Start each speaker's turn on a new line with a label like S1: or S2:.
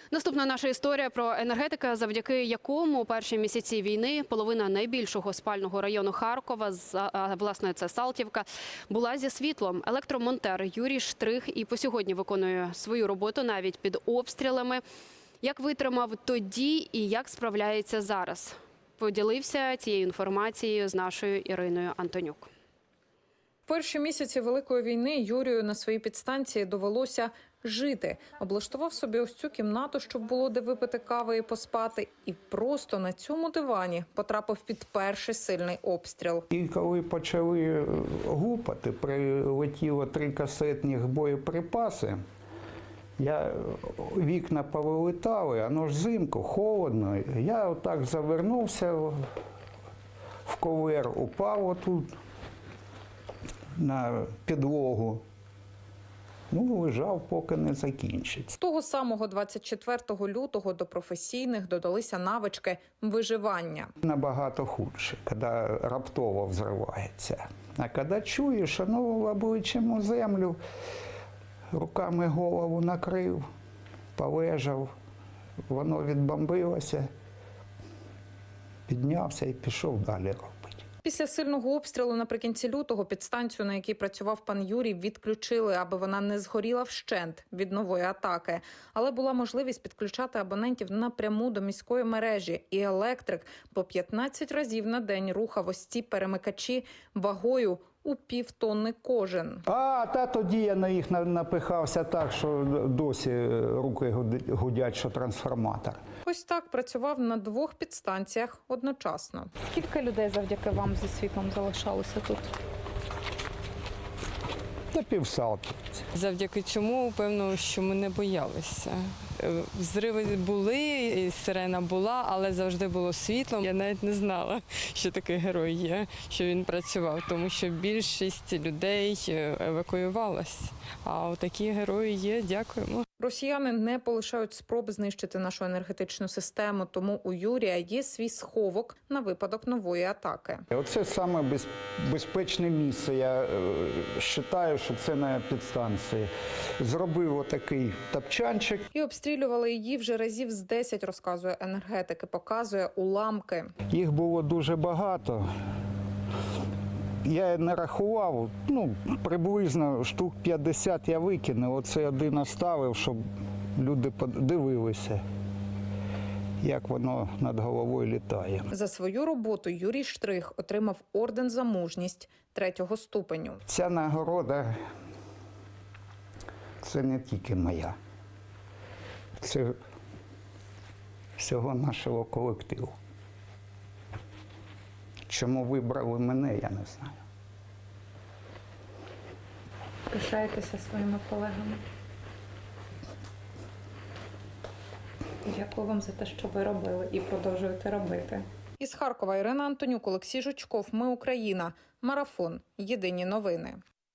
S1: Наступна наша історія про енергетика, завдяки якому у перші місяці війни половина найбільшого спального району Харкова, власне, це Салтівка, була зі світлом. Електромонтер Юрій Штрих і по сьогодні виконує свою роботу навіть під обстрілами. Як витримав тоді і як справляється зараз? Поділився цією інформацією з нашою Іриною Антонюк.
S2: В перші місяці Великої війни Юрію на своїй підстанції довелося жити. Облаштував собі ось цю кімнату, щоб було де випити кави і поспати. І просто на цьому дивані потрапив під перший сильний обстріл.
S3: І коли почали гупати, прилетіло 3 касетних боєприпаси, вікна повилітали, воно ж взимку, холодно. Я отак завернувся в ковер, упав отут на підлогу. Лежав, поки не закінчиться.
S2: З того самого 24 лютого до професійних додалися навички виживання.
S3: Набагато худше, коли раптово взривається. А коли чуєш, обличчям у землю, руками голову накрив, полежав, воно відбомбилося, піднявся і пішов далі робити.
S2: Після сильного обстрілу наприкінці лютого підстанцію, на якій працював пан Юрій, відключили, аби вона не згоріла вщент від нової атаки. Але була можливість підключати абонентів напряму до міської мережі. І електрик по 15 разів на день рухав ось ці перемикачі вагою у півтонни кожен.
S3: Тоді я на їх напихався так, що досі руки гудять, що трансформатор.
S2: Ось так працював на 2 підстанціях одночасно.
S4: Скільки людей завдяки вам зі світлом залишалося тут?
S3: Та півсалки.
S5: Завдяки цьому, певно, що ми не боялися. Взриви були, сирена була, але завжди було світло. Я навіть не знала, що такий герой є, що він працював, тому що більшість людей евакуювалась. А такі герої є, дякуємо.
S2: Росіяни не полишають спроб знищити нашу енергетичну систему, тому у Юрія є свій сховок на випадок нової атаки.
S3: Оце саме безпечне місце. Я вважаю, що це на підстанції. Зробив отакий тапчанчик.
S2: І обстрілювали її вже разів з 10, розказує енергетик, і показує уламки.
S3: Їх було дуже багато. Я не рахував, приблизно штук 50 я викинув. Оце один оставив, щоб люди подивилися, як воно над головою літає.
S2: За свою роботу Юрій Штрих отримав орден за мужність 3-го ступеню.
S3: Ця нагорода – це не тільки моя. Це всього нашого колективу. Чому вибрали мене, я не знаю.
S4: Пишаєтеся своїми колегами? Дякую вам за те, що ви робили і продовжуєте робити.
S2: Із Харкова Ірина Антонюк, Олексій Жучков. Ми Україна. Марафон. Єдині новини.